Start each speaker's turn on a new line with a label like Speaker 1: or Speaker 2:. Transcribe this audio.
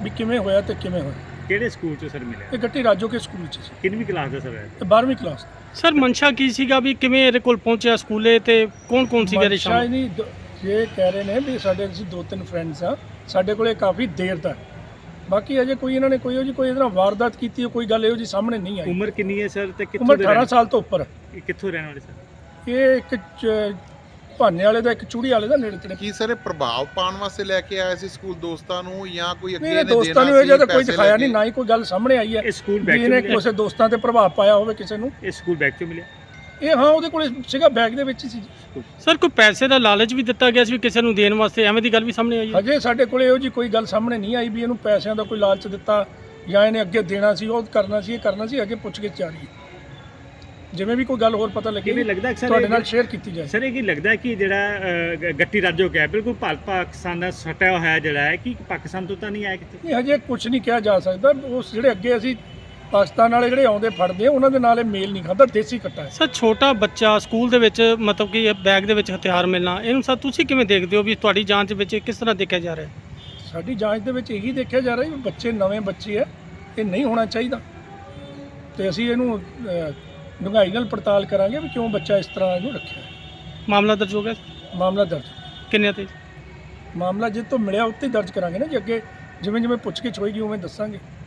Speaker 1: ਵੀ ਕਿਵੇਂ ਹੋਇਆ ਤੇ ਕਿਵੇਂ ਹੋਇਆ।
Speaker 2: ਕਿਹੜੇ ਸਕੂਲ 'ਚ ਸਰ ਮਿਲਿਆ?
Speaker 1: ਇਹ ਗੱਟੀ ਰਾਜੋ ਕੇ ਸਕੂਲ 'ਚ ਸੀ,
Speaker 2: ਕਿੰਨਵੀਂ ਕਲਾਸ ਦਾ ਸਰ ਹੈ?
Speaker 1: ਤੇ 12ਵੀਂ ਕਲਾਸ।
Speaker 3: ਸਰ ਮਨਸ਼ਾ ਕੀ ਸੀਗਾ ਵੀ ਕਿਵੇਂ ਇਹਦੇ ਕੋਲ ਪਹੁੰਚਿਆ ਸਕੂਲੇ ਤੇ ਕੌਣ ਸੀਗਾ ਇਹਦੇ
Speaker 1: ਸ਼ਾਇਦ
Speaker 3: ਸ਼ਾਮ?
Speaker 1: ਨਹੀਂ ਇਹ ਕਹਿ ਰਹੇ ਨੇ ਵੀ ਸਾਡੇ ਅਸੀਂ 2-3 ਫਰੈਂਡਸ ਆ, ਸਾਡੇ ਕੋਲੇ ਕਾਫੀ ਦੇਰ ਦਾ। ਬਾਕੀ ਅਜੇ ਕੋਈ ਇਹਨਾਂ ਨੇ ਕੋਈ ਇਹਦੇ ਨਾਲ ਵਾਰਦਾਤ ਕੀਤੀ ਹੈ, ਕੋਈ ਗੱਲ ਇਹੋ ਜੀ ਸਾਹਮਣੇ ਨਹੀਂ ਆਈ।
Speaker 2: ਉਮਰ ਕਿੰਨੀ ਹੈ ਸਰ ਤੇ ਕਿੱਥੋਂ
Speaker 1: ਉਮਰ
Speaker 2: ਦੇ
Speaker 1: 18 ਸਾਲ ਤੋਂ ਉੱਪਰ ਹੈ।
Speaker 2: ਕਿੱਥੋਂ ਰਹਿਣ ਵਾਲੇ ਸਰ?
Speaker 1: ਇਹ ਇੱਕ ਭਾਨੇ ਵਾਲੇ ਦਾ, ਇੱਕ ਚੂੜੀ ਵਾਲੇ ਦਾ ਨੇੜੇ ਤੇੜੇ।
Speaker 4: ਕੀ ਸਰ ਇਹ ਪ੍ਰਭਾਵ ਪਾਉਣ ਵਾਸਤੇ ਲੈ ਕੇ ਆਇਆ ਸੀ ਸਕੂਲ ਦੋਸਤਾਂ ਨੂੰ ਜਾਂ ਕੋਈ ਅੱਗੇ
Speaker 1: ਨਹੀਂ,
Speaker 4: ਨੇ
Speaker 1: ਦੋਸਤਾਂ ਨੂੰ ਇਹ ਜਿਆਦਾ ਕੋਈ ਦਿਖਾਇਆ ਨਹੀਂ, ਨਾ ਹੀ ਕੋਈ ਗੱਲ ਸਾਹਮਣੇ ਆਈ ਹੈ
Speaker 2: ਇਹ ਸਕੂਲ
Speaker 1: ਵੀ
Speaker 2: ਬੈਗ 'ਚ
Speaker 1: ਇਹਨੇ
Speaker 2: ਮਿਲਿਆ?
Speaker 1: ਕਿਸੇ ਦੋਸਤਾਂ ਤੇ ਪ੍ਰਭਾਵ ਪਾਇਆ ਹੋਵੇ ਕਿਸੇ ਨੂੰ।
Speaker 2: ਇਹ ਸਕੂਲ ਬੈਗ 'ਚ ਮਿਲਿਆ?
Speaker 1: ਇਹ ਹਾਂ, ਉਹਦੇ ਕੋਲੇ ਸੀਗਾ, ਬੈਗ ਦੇ ਵਿੱਚ ਹੀ ਸੀ।
Speaker 3: ਸਰ ਕੋਈ ਪੈਸੇ ਦਾ ਲਾਲਚ ਵੀ ਦਿੱਤਾ ਗਿਆ ਸੀ ਵੀ ਕਿਸੇ ਨੂੰ ਦੇਣ ਵਾਸਤੇ, ਐਵੇਂ ਦੀ ਗੱਲ ਵੀ ਸਾਹਮਣੇ ਆਈ ਹੈ?
Speaker 1: ਅਜੇ ਸਾਡੇ ਕੋਲੇ ਇਹੋ ਜੀ ਕੋਈ ਗੱਲ ਸਾਹਮਣੇ ਨਹੀਂ ਆਈ ਵੀ ਇਹਨੂੰ ਪੈਸਿਆਂ ਦਾ ਕੋਈ ਲਾਲਚ ਦਿੱਤਾ ਜਾਂ ਇਹਨੇ ਅੱਗੇ ਦੇਣਾ ਸੀ, ਉਹ ਕਰਨਾ ਸੀ, ਇਹ ਕਰਨਾ ਸੀ। ਅਜੇ ਪੁੱਛਗਿੱਛ ਜਾਰੀ ਹੈ, ਜਿਵੇਂ ਵੀ ਕੋਈ ਗੱਲ ਹੋਰ ਪਤਾ ਲੱਗੇ
Speaker 2: ਕਿਵੇਂ ਲੱਗਦਾ ਸਰ
Speaker 1: ਤੁਹਾਡੇ ਨਾਲ ਸ਼ੇਅਰ ਕੀਤੀ ਜਾਏ।
Speaker 2: ਸਰ ਇਹ ਕੀ ਲੱਗਦਾ ਕਿ ਜਿਹੜਾ ਗੱਟੀ ਰਾਜੋ ਹੈ ਬਿਲਕੁਲ ਪਾਕਿਸਤਾਨ ਦਾ ਸਟਿਆ ਹੋਇਆ ਜਿਹੜਾ ਹੈ ਕਿ ਪਾਕਿਸਤਾਨ ਤੋਂ ਤਾਂ ਨਹੀਂ ਆਇਆ ਕਿਤੇ?
Speaker 1: ਨਹੀਂ, ਹਜੇ ਕੁਝ ਨਹੀਂ ਕਿਹਾ ਜਾ ਸਕਦਾ। ਉਸ ਜਿਹੜੇ ਅੱਗੇ ਅਸੀਂ ਪਾਕਿਸਤਾਨ ਵਾਲੇ ਜਿਹੜੇ ਆਉਂਦੇ ਫੜਦੇ ਆ, ਉਹਨਾਂ ਦੇ ਨਾਲ ਇਹ ਮੇਲ ਨਹੀਂ ਖਾਂਦਾ, ਦੇਸੀ ਕੱਟਾ ਹੈ।
Speaker 3: ਸਰ ਛੋਟਾ ਬੱਚਾ ਸਕੂਲ ਦੇ ਵਿੱਚ ਮਤਲਬ ਕਿ ਬੈਗ ਦੇ ਵਿੱਚ ਹਥਿਆਰ ਮਿਲਣਾ, ਇਹਨੂੰ ਸਰ ਤੁਸੀਂ ਕਿਵੇਂ ਦੇਖਦੇ ਹੋ ਵੀ ਤੁਹਾਡੀ ਜਾਂਚ ਵਿੱਚ ਇਹ ਕਿਸ ਤਰ੍ਹਾਂ ਦੇਖਿਆ ਜਾ ਰਿਹਾ ਹੈ?
Speaker 1: ਸਾਡੀ ਜਾਂਚ ਦੇ ਵਿੱਚ ਇਹੀ ਦੇਖਿਆ ਜਾ ਰਿਹਾ ਵੀ ਬੱਚੇ ਨਵੇਂ ਬੱਚੇ ਆ, ਇਹ ਨਹੀਂ ਹੋਣਾ ਚਾਹੀਦਾ। ਤੇ ਅਸੀਂ ਇਹਨੂੰ ਡੂੰਘਾਈ ਨਾਲ ਪੜਤਾਲ ਕਰਾਂਗੇ ਵੀ ਕਿਉਂ ਬੱਚਾ ਇਸ ਤਰ੍ਹਾਂ ਇਹਨੂੰ ਰੱਖਿਆ।
Speaker 3: ਮਾਮਲਾ ਦਰਜ ਹੋ ਗਿਆ?
Speaker 1: ਮਾਮਲਾ ਦਰਜ,
Speaker 3: ਕਿੰਨੇ ਤੇ?
Speaker 1: ਮਾਮਲਾ ਜਿੱਥੋਂ ਮਿਲਿਆ ਉੱਤੇ ਹੀ ਦਰਜ ਕਰਾਂਗੇ ਨਾ ਜੀ। ਅੱਗੇ ਜਿਵੇਂ ਜਿਵੇਂ ਪੁੱਛਗਿੱਛ ਹੋਏਗੀ ਉਵੇਂ ਦੱਸਾਂਗੇ।